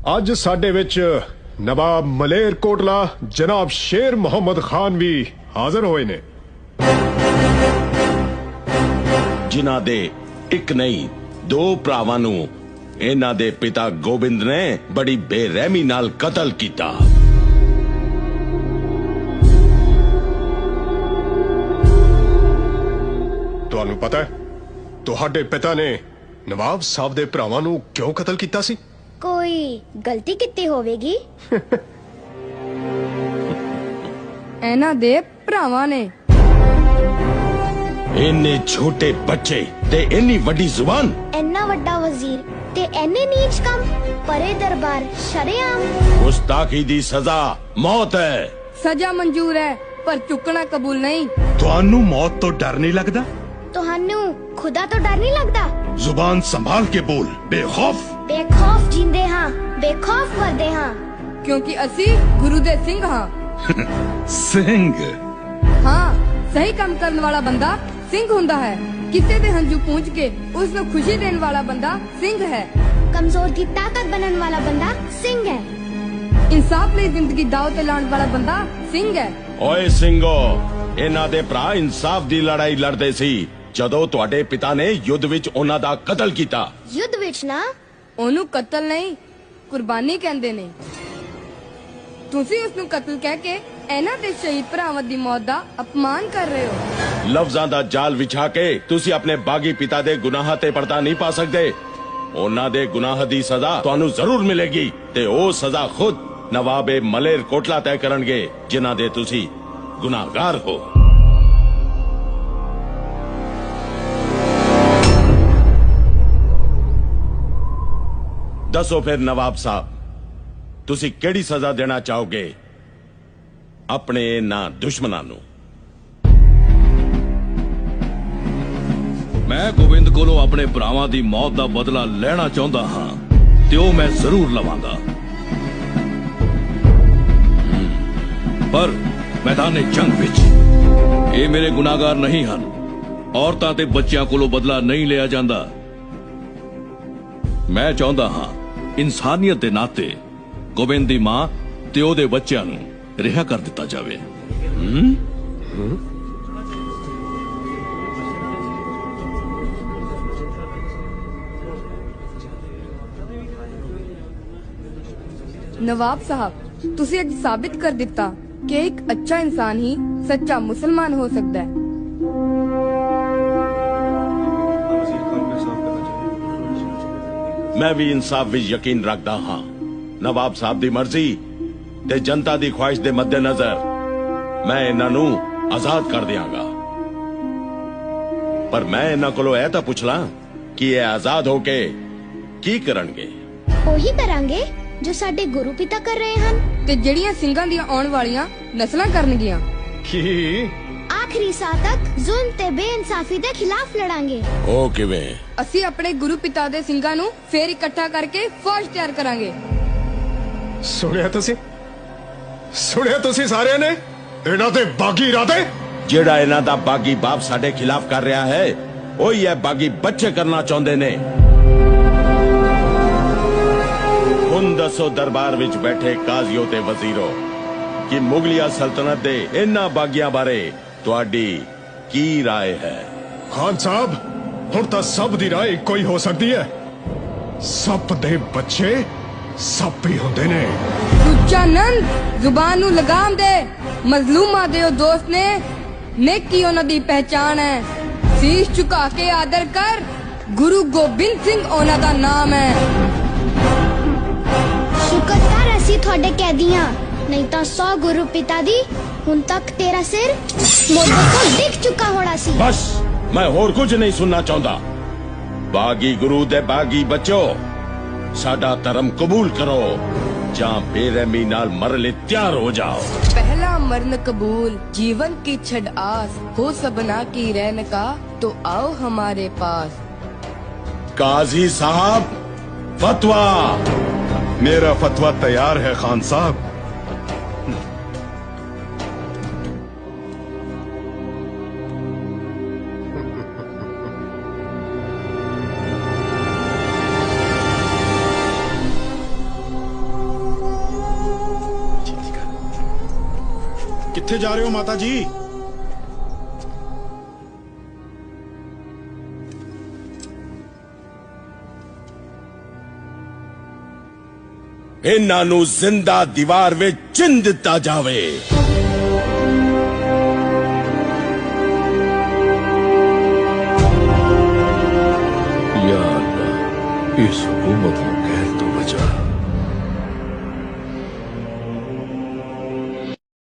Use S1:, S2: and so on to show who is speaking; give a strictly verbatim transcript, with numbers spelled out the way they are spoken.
S1: ਅੱਜ ਸਾਡੇ ਵਿੱਚ ਨਵਾਬ ਮਲੇਰ ਕੋਟਲਾ ਜਨਾਬ ਸ਼ੇਰ ਮੁਹੰਮਦ ਖਾਨ ਵੀ ਹਾਜ਼ਰ ਹੋਏ ਨੇ,
S2: ਜਿਨ੍ਹਾਂ ਦੇ ਇੱਕ ਨਹੀਂ ਦੋ ਭਰਾਵਾਂ ਨੂੰ ਇਹਨਾਂ ਦੇ ਪਿਤਾ ਗੋਬਿੰਦ ਨੇ ਬੜੀ ਬੇਰਹਿਮੀ ਨਾਲ ਕਤਲ ਕੀਤਾ।
S1: ਤੁਹਾਨੂੰ ਪਤਾ ਹੈ ਤੁਹਾਡੇ ਪਿਤਾ ਨੇ ਨਵਾਬ ਸਾਹਿਬ ਦੇ ਭਰਾਵਾਂ ਨੂੰ ਕਿਉਂ ਕਤਲ ਕੀਤਾ ਸੀ?
S3: ਕੋਈ ਗਲਤੀ ਕੀਤੀ ਹੋਵੇਗੀ।
S4: ਇਹਨਾਂ ਦੇ ਭਰਾਵਾਂ ਨੇ।
S2: ਇੰਨੇ ਛੋਟੇ ਬੱਚੇ ਤੇ ਇੰਨੀ ਵੱਡੀ ਜ਼ੁਬਾਨ,
S3: ਇੰਨਾ ਵੱਡਾ ਵਜ਼ੀਰ ਤੇ ਇੰਨੇ ਨੀਚ ਕੰਮ, ਪਰੇ ਦਰਬਾਰ ਸ਼ਰੇਆਮ।
S2: ਗੁਸਤਾਖੀ ਦੀ ਸਜ਼ਾ ਮੌਤ ਹੈ।
S4: ਸਜ਼ਾ ਮਨਜ਼ੂਰ ਹੈ ਪਰ ਚੁੱਕਣਾ ਕਬੂਲ ਨਹੀਂ।
S5: ਤੁਹਾਨੂੰ ਮੌਤ ਤੋਂ ਡਰ ਨਹੀਂ ਲੱਗਦਾ?
S3: ਤੁਹਾਨੂੰ ਖੁਦਾ ਤੋਂ ਡਰ ਨਹੀਂ ਲੱਗਦਾ?
S5: ਜ਼ੁਬਾਨ ਸੰਭਾਲ ਕੇ ਬੋਲ, ਬੇਖੌਫ।
S3: ਬੇਖੌਫ ਜਿੰਦੇ ਹਾਂ, ਬੇਖੌਫ ਮਰਦੇ ਹਾਂ।
S4: ਕਿਉਂਕਿ ਅਸੀਂ ਗੁਰੂ ਦੇ ਸਿੰਘ ਹਾਂ।
S5: ਸਿੰਘ?
S4: ਹਾਂ, ਸਹੀ ਕੰਮ ਕਰਨ ਵਾਲਾ ਬੰਦਾ ਸਿੰਘ ਹੁੰਦਾ ਹੈ। ਕਿਸੇ ਦੇ ਹੰਝੂ ਪੂੰਝ ਕੇ ਉਸ ਨੂੰ ਖੁਸ਼ੀ ਦੇਣ ਵਾਲਾ ਬੰਦਾ ਸਿੰਘ ਹੈ।
S3: ਕਮਜ਼ੋਰ ਦੀ ਤਾਕਤ ਬਣਨ ਵਾਲਾ ਬੰਦਾ ਸਿੰਘ ਹੈ।
S4: ਇਨਸਾਫ ਲਈ ਜ਼ਿੰਦਗੀ ਦਾਅ ਤੇ ਲਾਉਣ ਵਾਲਾ ਬੰਦਾ ਸਿੰਘ ਹੈ।
S2: ਓਏ ਸਿੰਘੋ, ਇਹਨਾਂ ਦੇ ਭਰਾ ਇਨਸਾਫ ਦੀ ਲੜਾਈ ਲੜਦੇ ਸੀ ਜਦੋਂ ਤੁਹਾਡੇ ਪਿਤਾ ਨੇ ਯੁੱਧ ਵਿੱਚ ਉਹਨਾਂ ਦਾ ਕਤਲ ਕੀਤਾ।
S3: ਯੁੱਧ ਵਿੱਚ ਨਾ,
S4: ਉਹਨੂੰ ਕਤਲ ਨਹੀਂ ਕੁਰਬਾਨੀ ਕਹਿੰਦੇ ਨੇ। ਤੁਸੀਂ ਉਸ ਨੂੰ ਕਤਲ ਕਹਿ ਕੇ ਇਹਨਾਂ ਦੇ ਸ਼ਹੀਦ ਭਰਾਵਾਂ ਦੀ ਮੌਤ ਦਾ ਅਪਮਾਨ ਕਰ ਰਹੇ ਹੋ।
S2: ਲਫ਼ਜ਼ਾਂ ਦਾ ਜਾਲ ਵਿਛਾ ਕੇ ਤੁਸੀਂ ਆਪਣੇ ਬਾਗੀ ਪਿਤਾ ਦੇ ਗੁਨਾਹਾਂ ਤੇ ਪਰਦਾ ਨਹੀਂ ਪਾ ਸਕਦੇ। ਉਹਨਾਂ ਦੇ ਗੁਨਾਹ ਦੀ ਸਜ਼ਾ ਤੁਹਾਨੂੰ ਜ਼ਰੂਰ ਮਿਲੇਗੀ ਤੇ ਉਹ ਸਜ਼ਾ ਖੁਦ ਨਵਾਬੇ ਮਲੇਰ ਕੋਟਲਾ ਤੈਅ ਕਰਨਗੇ, ਜਿਨ੍ਹਾਂ ਦੇ ਤੁਸੀਂ ਗੁਨਾਹਗਾਰ ਹੋ। ਦੱਸੋ ਫਿਰ ਨਵਾਬ ਸਾਹਿਬ, ਤੁਸੀਂ ਕਿਹੜੀ ਸਜ਼ਾ ਦੇਣਾ ਚਾਹੋਗੇ ਆਪਣੇ ਇਹਨਾਂ ਦੁਸ਼ਮਣਾਂ ਨੂੰ?
S6: ਮੈਂ ਗੋਬਿੰਦ ਕੋਲੋਂ ਆਪਣੇ ਭਰਾਵਾਂ ਦੀ ਮੌਤ ਦਾ ਬਦਲਾ ਲੈਣਾ ਚਾਹੁੰਦਾ ਹਾਂ ਤੇ ਉਹ ਮੈਂ ਜ਼ਰੂਰ ਲਵਾਂਗਾ, ਪਰ ਮੈਦਾਨੇ ਜੰਗ ਵਿੱਚ ਇਹ ਮੇਰੇ ਗੁਨਾਹਗਾਰ ਨਹੀਂ ਹਨ। ਔਰਤਾਂ ਤੇ ਬੱਚਿਆਂ ਕੋਲੋਂ ਬਦਲਾ ਨਹੀਂ ਲਿਆ ਜਾਂਦਾ। ਮੈਂ ਚਾਹੁੰਦਾ ਹਾਂ ਇਨਸਾਨੀਅਤ ਦੇ ਨਾਤੇ ਗੋਬਿੰਦ ਦੀ ਮਾਂ ਤੇ ਉਹਦੇ ਬੱਚਿਆਂ ਨੂੰ ਰਿਹਾ ਕਰ ਦਿੱਤਾ ਜਾਵੇ। ਹੂੰ
S4: ਨਵਾਬ ਸਾਹਿਬ, ਤੁਸੀਂ ਅੱਜ ਸਾਬਿਤ ਕਰ ਦਿੱਤਾ ਕਿ ਇੱਕ ਅੱਛਾ ਇਨਸਾਨ ਹੀ ਸੱਚਾ ਮੁਸਲਮਾਨ ਹੋ ਸਕਦਾ ਹੈ।
S2: ਮੈਂ ਵੀ ਇਨਸਾਫ ਵਿੱਚ ਯਕੀਨ ਰੱਖਦਾ ਹਾਂ। ਨਵਾਬ ਸਾਹਿਬ ਦੀ ਮਰਜ਼ੀ ਤੇ ਜਨਤਾ ਦੀ ਖੁਆਇਸ਼ ਦੇ ਮੱਦੇਨਜ਼ਰ ਮੈਂ ਇਹਨਾਂ ਨੂੰ ਆਜ਼ਾਦ ਕਰ ਦਿਆਂਗਾ, ਪਰ ਮੈਂ ਇਹਨਾਂ ਕੋਲੋਂ ਇਹ ਤਾਂ ਪੁੱਛ ਲਾਂ ਕਿ ਇਹ ਆਜ਼ਾਦ ਹੋ ਕੇ ਕੀ ਕਰਨਗੇ?
S3: ਉਹੀ ਕਰਾਂਗੇ ਜੋ ਸਾਡੇ ਗੁਰੂ ਪਿਤਾ ਕਰ ਰਹੇ ਹਨ
S4: ਤੇ ਜਿਹੜੀਆਂ ਸਿੰਘਾਂ ਦੀਆਂ ਆਉਣ ਵਾਲੀਆਂ ਨਸਲਾਂ ਕਰਨਗੀਆਂ।
S1: ਕੀ?
S3: ਆਖਰੀ ਸਾਹ ਤੱਕ ਜ਼ੁਲਮ ਤੇ ਬੇਇਨਸਾਫੀ ਦੇ ਖਿਲਾਫ ਲੜਾਂਗੇ।
S2: ਉਹ ਕਿਵੇਂ?
S4: ਅਸੀਂ ਆਪਣੇ ਗੁਰੂ ਪਿਤਾ ਦੇ ਸਿੰਘਾਂ ਨੂੰ ਫੇਰ ਇਕੱਠਾ ਕਰਕੇ ਫੌਜ ਤਿਆਰ ਕਰਾਂਗੇ।
S1: ਸੁਣਿਆ ਤੁਸੀਂ? ਸੁਣਿਆ ਤੁਸੀਂ ਸਾਰਿਆਂ ਨੇ? ਇਹਨਾਂ ਦੇ ਬਾਗੀ ਇਰਾਦੇ।
S2: ਜਿਹੜਾ ਇਹਨਾਂ ਦਾ ਬਾਗੀ ਬਾਪ ਸਾਡੇ ਖਿਲਾਫ ਕਰ ਰਿਹਾ ਹੈ, ਉਹੀ ਇਹ ਬਾਗੀ ਬੱਚੇ ਕਰਨਾ ਚਾਹੁੰਦੇ ਨੇ। ਹੁਣ ਦੱਸੋ ਦਰਬਾਰ ਵਿੱਚ ਬੈਠੇ ਕਾਜ਼ੀਓ ਤੇ ਵਜ਼ੀਰੋ ਕਿ ਮੁਗਲਿਆ ਸਲਤਨਤ ਦੇ ਇਹਨਾਂ ਬਾਗੀਆਂ ਬਾਰੇ ਤੁਹਾਡੀ ਕੀ ਰਾਏ ਹੈ?
S1: ਖਾਨ ਸਾਹਿਬ, ਹੁਣ ਤਾਂ ਸਭ ਦੀ ਰਾਏ ਇੱਕੋ ਹੀ ਹੋ ਸਕਦੀ ਹੈ। ਸੱਪ ਦੇ ਬੱਚੇ ਸੱਪ ਹੀ ਹੁੰਦੇ ਨੇ।
S4: ਸੁੱਚਾ ਨੰਦ, ਜ਼ੁਬਾਨ ਨੂੰ ਲਗਾਮ ਦੇ। ਮਜ਼ਲੂਮਾਂ ਦੇ ਉਹ ਦੋਸਤ ਨੇ, ਨੇਕੀ ਉਹਨਾਂ ਦੀ ਪਹਿਚਾਨ ਹੈ। ਸੀਸ ਝੁਕਾ ਕੇ ਆਦਰ ਕਰ, ਗੁਰੂ ਗੋਬਿੰਦ ਸਿੰਘ ਉਹਨਾਂ ਦਾ ਨਾਮ ਹੈ।
S3: ਸ਼ੁਕਰ ਕਰ ਅਸੀਂ ਤੁਹਾਡੇ ਕੈਦੀਆਂ, ਨਹੀਂ ਤਾਂ ਸੌ ਗੁਰੂ ਪਿਤਾ ਦੀ ਹੁਣ ਤੱਕ ਤੇਰਾ ਸਿਰ ਮੋਢੇ ਤੋਂ ਡਿੱਗ ਚੁੱਕਾ ਹੋਣਾ ਸੀ।
S2: ਬਸ, ਮੈਂ ਹੋਰ ਕੁਝ ਨਹੀਂ ਸੁਣਨਾ ਚਾਹੁੰਦਾ। ਬਾਗੀ ਗੁਰੂ ਦੇ ਬਾਗੀ ਬੱਚੋ, ਸਾਡਾ ਧਰਮ ਕਬੂਲ ਕਰੋ ਜਾਂ ਬੇਰਹਿਮੀ ਨਾਲ ਮਰਨ ਲਈ ਤਿਆਰ ਹੋ ਜਾਓ।
S4: पहला मरण कबूल, जीवन की छड़ आस, हो सबना की रहन का, तो आओ हमारे पास।
S2: काजी साहब, फतवा।
S5: मेरा फतवा तैयार है खान साहब।
S1: ਕਿੱਥੇ ਜਾ ਰਹੇ ਹੋ ਮਾਤਾ ਜੀ?
S2: ਇਹਨਾਂ ਨੂੰ ਜ਼ਿੰਦਾ ਦੀਵਾਰ ਵਿੱਚ ਚਿਣ ਦਿੱਤਾ ਜਾਵੇ।
S6: या अल्लाह, इस हुकूमत को कहर तो बचा।